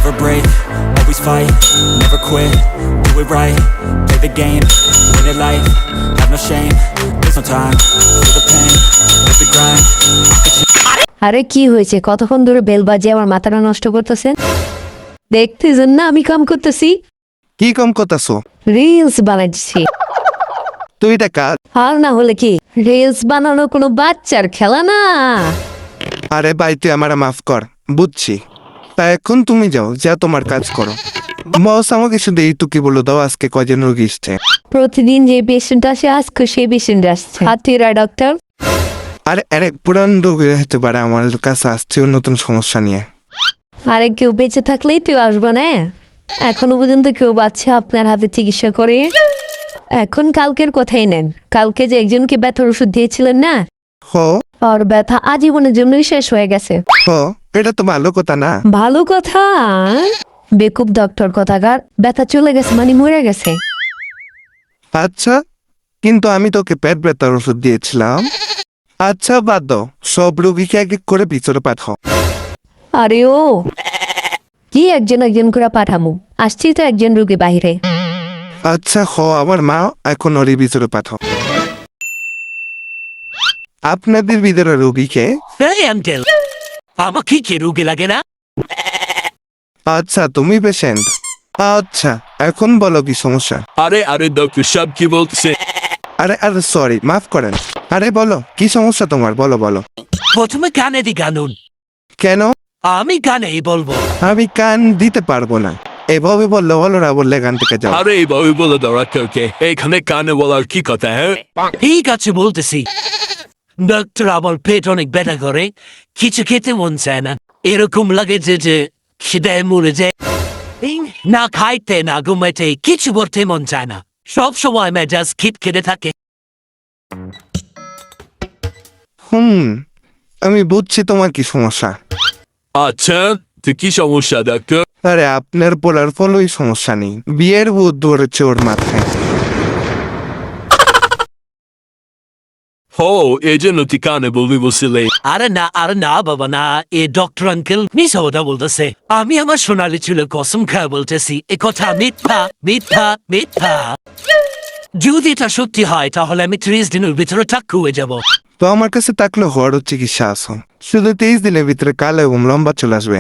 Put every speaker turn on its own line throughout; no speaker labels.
never break, always fight, never quit, do it right, play the game, win it life, have no shame, there's no time, feel the pain, live the grind,
আরে কি হয়েছে? কতক্ষণ ধরে bell বাজিয়ে আমার মাথাটা নষ্ট করতেছেন? দেখতেছেন না আমি কাম করতেছি?
কি কম করতেছো?
রিলস বানাচ্ছি।
তুই এটা কাজ।
আর না হলে কি, রিলস বানানো কোনো বাচ্চার খেলা না।
আরে ভাই তুই আমার মাফ কর, বুঝছি। তা এখন তুমি যাও, যা তোমার কাজ করো। বস আমাকে শুধু এইটুকু বলে দাও, আজকে কয়জন রোগী এসছে?
প্রতিদিন যে পেশেন্ট আসে আজকে সেই পেশেন্ট আসছে। হাতিরা ডক্টর।
আরে আরে পুরান রোগী হতে পারে, আমার কাছে আসছে নতুন সমস্যা নিয়ে।
আরে কেউ বেঁচে থাকলেই তুই আসবো না। এখনো পর্যন্ত কেউ বাচ্চা আপনার হাতে চিকিৎসা করে। এখন কালকের কথাই নেন, কালকে যে একজনকে ব্যথার ওষুধ দিয়েছিলেন না, আর ব্যথা আজীবনের জন্যই শেষ হয়ে গেছে।
এটা তো ভালো কথা না।
ভালো কথা? বেকুব ডক্টর কথাকার, ব্যথা চলে গেছে মানে মরে গেছে।
আচ্ছা, কিন্তু আমি তোকে পেট ব্যথার ওষুধ দিয়েছিলাম। আচ্ছা বাদ দাও, সব রোগীকে এক এক করে ভিতরে পাঠাও।
আরে ও কি একজন একজন করে পাঠামু? আসছি তো একজন রোগী বাইরে।
আচ্ছা আমার মা, এখন ওর ভিতরে পাঠাও। আপনাদের ভিতরে রোগীকে।
আমাকে কি রোগী লাগে না?
আচ্ছা তুমি পেশেন্ট। আচ্ছা এখন বলো কি সমস্যা?
আরে আরে ডক্টর সাহেব কি বলছে?
আরে আরে সরি, মাফ করেন। আরে বলো কি সমস্যা তোমার, বলো বলো।
প্রথমে কানে দি গানুন।
কেন?
আমি কানেই বলবো।
আমি কান দিতে পারবো না। এভাবে বললে হলো না, বললে গান থেকে যাও।
আরে এইভাবে বলে দাও ডাক্তারকে, এখানে কানে বলার কি কথা? হ্যাঁ ঠিক আছে বলতেছি। ডাক্তার আমার পেট অনেক ব্যথা করে, কিছু খেতে মন চায় না, এরকম লাগে যে খিদে মরে যায়। না খাইতে না ঘুমাইতে কিছু করতে মন চায় না, সব সময় মেজাজ খিটখিটে থাকে।
আমি বুঝছি তোমার কি সমস্যা।
আচ্ছা তো কি সমস্যা ডাক্তার?
আরে আপনার বলার ফলই সমস্যা নেই, বিয়ের ভূত ধরেছে ওর মাথায়।
ও এই জন্য তুই কানে বলবি বসলে? আরে না বাবা না, এ ডক্টর আঙ্কেল মিশা কথা বলতেছে। আমি আমার সোনালি চুলের কসম খায় বলতেছি, এ কথা মিথ্যা মিথ্যা মিথ্যা। যদি এটা সত্যি হয় তাহলে আমি 30 দিনের ভিতরে টাক্কু হয়ে যাব।
তো আমার কাছে থাকলে হওয়ার চিকিৎসা আছে, শুধু 23 দিনের ভিতরে কালো এবং লম্বা চলে আসবে।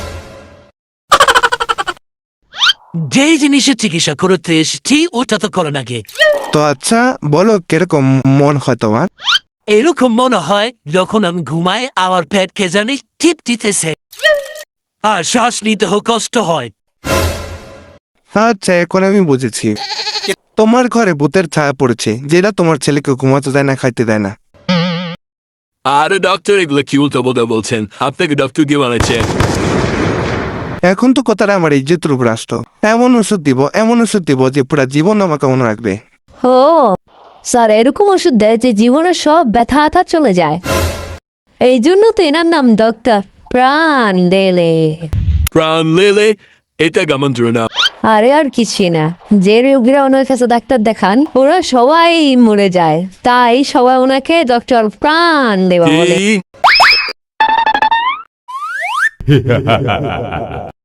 যে জিনিসের চিকিৎসা করতে এসেছি ওটা তো করো নাকি।
তো আচ্ছা বলো কিরকম মন হয় তোমার?
এরকম মনে হয় যখন আমি ঘুমাই আমার পেট কে জানি টিপ দিতেছে আর শ্বাস নিতে কষ্ট হয়।
আচ্ছা এখন আমি বুঝেছি, তোমার ঘরে ভূতের ছায়া পড়েছে, যেটা তোমার ছেলেকে ঘুমাতে দেয় না, খাইতে দেয় না।
আরে ডক্টর এগুলো কি উল্টো বলতে বলছেন? আপনাকে ডক্টর কি বলেছে?
এখন তো কথাটা আমার ইজ্জতের উপর আসতো। এমন ওষুধ দিব যে পুরা জীবন আমাকে মনে রাখবে।
ও স্যার, এরকম ওষুধ দেয় যে জীবনের সব ব্যথা আথা চলে যায়। এই জন্য তো এনার নাম ডক্টর প্রাণ লেলে।
প্রাণ লেলে? এটা কেমন না?
আরে আর কিছুই না, যে রোগীরা ওনার কাছে ডাক্তার দেখান ওরা সবাই মরে যায়, তাই সবাই ওনাকে ডক্টর প্রাণ দেওয়া বলে।
কি?